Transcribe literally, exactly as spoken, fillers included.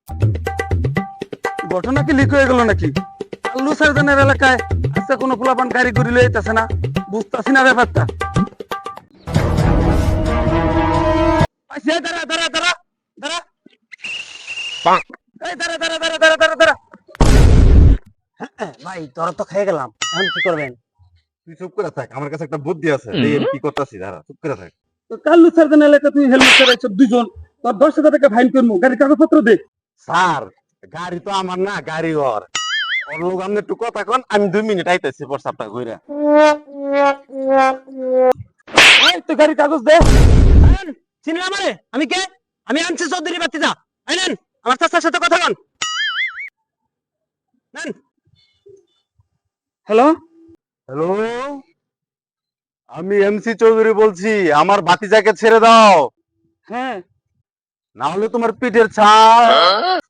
ঘটনা কি লিক হয়ে গেল নাকি? আল্লু সার্জনের এলাকায় আজকে কোনো পোলাপান গাড়ি ঘুরি লইতেছে না, বুঝতেছি না ব্যাপারটা। আইসে, দাঁড়া দাঁড়া দাঁড়া দাঁড়া, এই দাঁড়া দাঁড়া দাঁড়া দাঁড়া দাঁড়া দাঁড়া। ভাই তোরা তো খেয়ে গেলাম, এখন কি করবেন? তুই চুপ করে থাক, আমার কাছে একটা বুদ্ধি আছে, এই আমি কি করতেছি, দাঁড়া চুপ করে থাক। তো কাল্লু সার্জন এলাকা তুই হেলমেট চালাইছ দুজন, তোর দশ হাজার টাকা ফাইন করবো, গাড়ির কাগজপত্র দে। স্যার গাড়ি তো আমার না, গাড়ি ওর। ওর লোক আপনি একটু কথা কন, আমি দুই মিনিট আইতেছি প্রস্তাবটা ঘুরে। এই তো গাড়ির কাগজ দে। চিনলে আমারে? আমি কে? আমি আনছি চৌধুরী বাতিজা। এই নেন, আমার চাচার সাথে কথা বল। নেন। হ্যালো, হ্যালো, আমি এমসি চৌধুরী বলছি, আমার ভাতিজাকে ছেড়ে দাও, হ্যাঁ না হলে তোমার পিঠের ছাল